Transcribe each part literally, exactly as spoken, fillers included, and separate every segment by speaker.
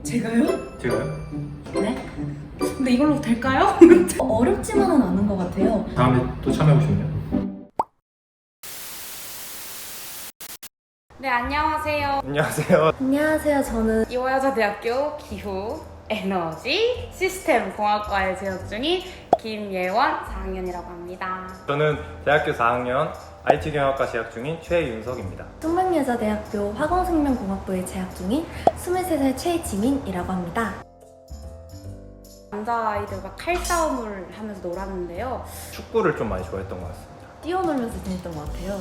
Speaker 1: 제가요?
Speaker 2: 제가요?
Speaker 1: 네? 근데 이걸로 될까요? 어렵지만은 않은 것 같아요.
Speaker 2: 다음에 또 참여해보시면요.
Speaker 3: 네, 안녕하세요.
Speaker 2: 안녕하세요.
Speaker 1: 안녕하세요. 저는
Speaker 3: 이화여자대학교 기후 에너지 시스템 공학과에 재학 중인 김예원 사 학년이라고 합니다.
Speaker 2: 저는 대학교 사 학년 아이티경영학과 재학 중인 최윤석입니다.
Speaker 1: 숙명여자대학교 화공생명공학부에 재학 중인 스물세 살 최지민이라고 합니다.
Speaker 3: 남자아이들과 칼싸움을 하면서 놀았는데요.
Speaker 2: 축구를 좀 많이 좋아했던 것 같습니다.
Speaker 1: 뛰어놀면서 지냈던 것 같아요.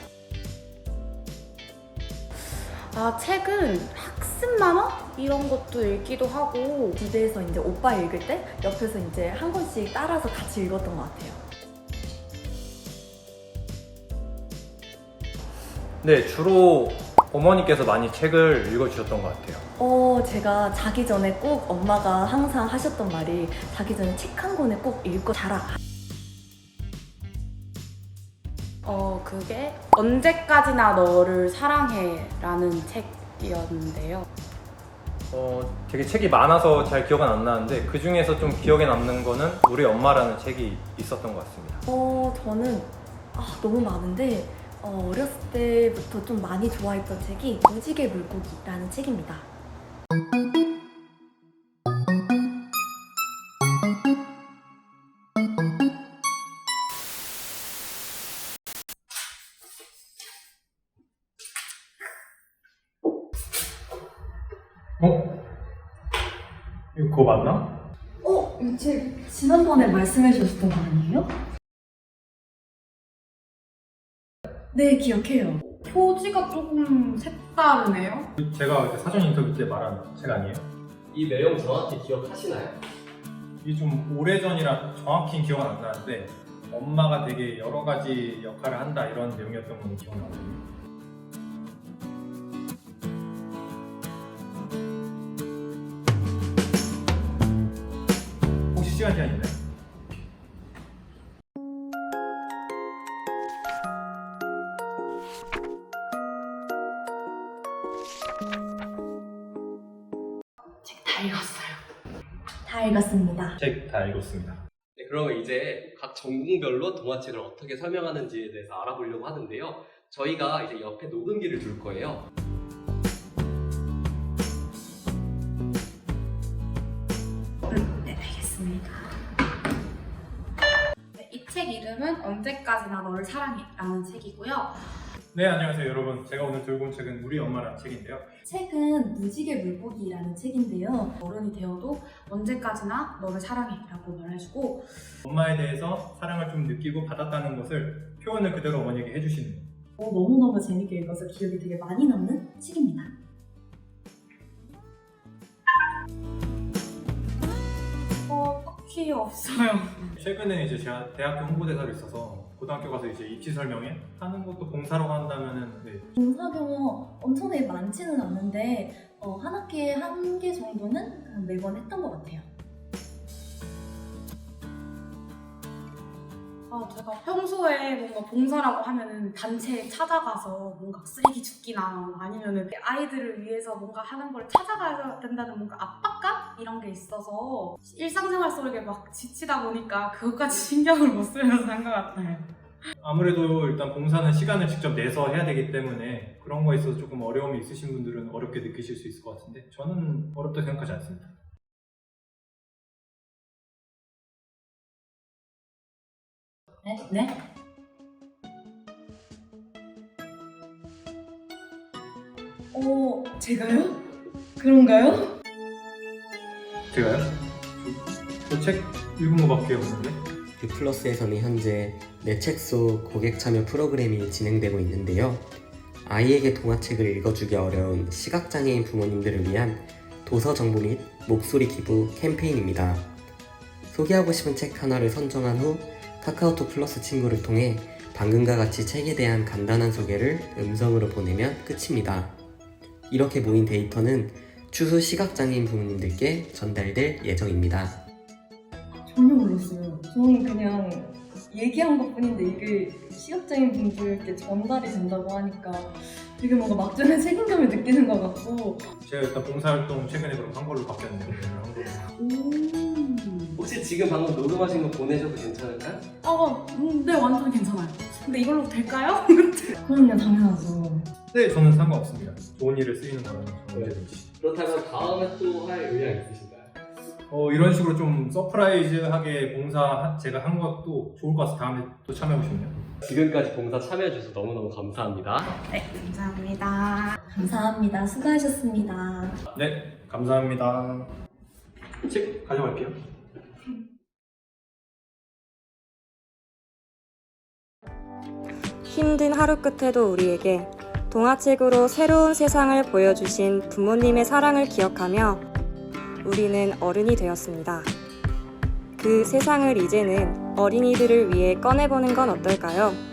Speaker 3: 아, 책은 학습 만화? 이런 것도 읽기도 하고.
Speaker 1: 집에서 이제 오빠 읽을 때 옆에서 이제 한 권씩 따라서 같이 읽었던 것 같아요.
Speaker 2: 네, 주로 어머니께서 많이 책을 읽어주셨던 것 같아요.
Speaker 1: 어, 제가 자기 전에 꼭 엄마가 항상 하셨던 말이 자기 전에 책 한 권을 꼭 읽고 자라.
Speaker 3: 어, 그게 언제까지나 너를 사랑해 라는 책이었는데요.
Speaker 2: 어, 되게 책이 많아서 잘 기억은 안 나는데 그 중에서 좀 기억에 남는 거는 우리 엄마라는 책이 있었던 것 같습니다.
Speaker 1: 어, 저는 아, 너무 많은데 어, 어렸을 때부터 좀 많이 좋아했던 책이 무지개 물고기라는 책입니다.
Speaker 2: 어? 이거 그거 맞나?
Speaker 1: 어? 이 책 지난번에 말씀해 주셨던 거 아니에요? 네, 기억해요.
Speaker 3: 표지가 조금 색다르네요.
Speaker 2: 제가 그때 사전 인터뷰 때 말한 책 아니에요?
Speaker 4: 이 내용 정확히 기억하시나요?
Speaker 2: 이게 좀 오래전이라 정확히 기억은 안 나는데 엄마가 되게 여러 가지 역할을 한다 이런 내용이었던 건 기억나거든요. 혹시 시간 제한 있나요?
Speaker 1: 책 다 읽었어요. 다 읽었습니다.
Speaker 2: 책 다 읽었습니다.
Speaker 4: 네, 그러면 이제 각 전공별로 동화책을 어떻게 설명하는지에 대해서 알아보려고 하는데요. 저희가 이제 옆에 녹음기를 둘 거예요.
Speaker 1: 네, 알겠습니다.
Speaker 3: 네, 이 책 이름은 언제까지나 너를 사랑해 라는 책이고요.
Speaker 2: 네, 안녕하세요 여러분. 제가 오늘 들고 온 책은 우리 엄마라는 책인데요.
Speaker 1: 책은 무지개 물고기라는 책인데요.
Speaker 3: 어른이 되어도 언제까지나 너를 사랑해 라고 말해주고,
Speaker 2: 엄마에 대해서 사랑을 좀 느끼고 받았다는 것을 표현을 그대로 어머니에게 해주시는 거예요.
Speaker 1: 어, 너무너무 재밌게 읽어서 기억이 되게 많이 남는 책입니다.
Speaker 3: 어, 딱히 없어요.
Speaker 2: 최근에 이제 제가 대학교 홍보대사로 있어서 고등학교 가서 이제 입시 설명회 하는 것도 봉사라고 한다면은 네.
Speaker 1: 봉사 경험 엄청나게 많지는 않은데 어, 한 학기에 한 개 정도는 매번 했던 것 같아요.
Speaker 3: 아, 제가 평소에 뭔가 봉사라고 하면은 단체에 찾아가서 뭔가 쓰레기 줍기나 아니면은 아이들을 위해서 뭔가 하는 걸 찾아가야 된다는 뭔가 압박감? 이런 게 있어서 일상생활 속에 막 지치다 보니까 그것까지 신경을 못 쓰면서 한 것 같아요.
Speaker 2: 아무래도 일단 봉사는 시간을 직접 내서 해야 되기 때문에 그런 거에 있어서 조금 어려움이 있으신 분들은 어렵게 느끼실 수 있을 것 같은데 저는 어렵다고 생각하지 않습니다.
Speaker 1: 네? 네? 어, 제가요? 그런가요?
Speaker 2: 제가요? 저 책 읽은 거밖에 없는데?
Speaker 5: 뷰플러스에서는 현재 내 책 속 고객 참여 프로그램이 진행되고 있는데요. 아이에게 동화책을 읽어주기 어려운 시각장애인 부모님들을 위한 도서 정보 및 목소리 기부 캠페인입니다. 소개하고 싶은 책 하나를 선정한 후 카카오톡 플러스 친구를 통해 방금과 같이 책에 대한 간단한 소개를 음성으로 보내면 끝입니다. 이렇게 모인 데이터는 추후 시각장애인 부모님들께 전달될 예정입니다.
Speaker 1: 전혀 몰랐어요. 저는 그냥 얘기한 것 뿐인데 이게 시각장애인 분들께 전달이 된다고 하니까 되게 뭔가 막중한 책임감을 느끼는 것 같고.
Speaker 2: 제가 일단 봉사활동 최근에 그럼 한 걸로 바뀌었네요. 한 걸로.
Speaker 3: 음.
Speaker 4: 혹시 지금 방금 녹음하신 거 보내셔도 괜찮을까요?
Speaker 3: 어, 음, 네, 완전 괜찮아요. 근데 이걸로 될까요?
Speaker 1: 그럼요, 당연하죠.
Speaker 2: 네, 저는 상관없습니다. 좋은 일에 쓰이는 거라면 언제든지.
Speaker 4: 그렇다면 다음에 또 할 의향 있으신가요?
Speaker 2: 어, 이런 식으로 좀 서프라이즈하게 봉사 제가 한 것도 좋을 것 같아서 다음에 또 참여하고 싶네요.
Speaker 4: 지금까지 봉사 참여해주셔서 너무너무 감사합니다.
Speaker 3: 네, 감사합니다.
Speaker 1: 감사합니다. 수고하셨습니다.
Speaker 2: 네, 감사합니다. 책 가져갈게요.
Speaker 6: 힘든 하루 끝에도 우리에게 동화책으로 새로운 세상을 보여주신 부모님의 사랑을 기억하며 우리는 어른이 되었습니다. 그 세상을 이제는 어린이들을 위해 꺼내보는 건 어떨까요?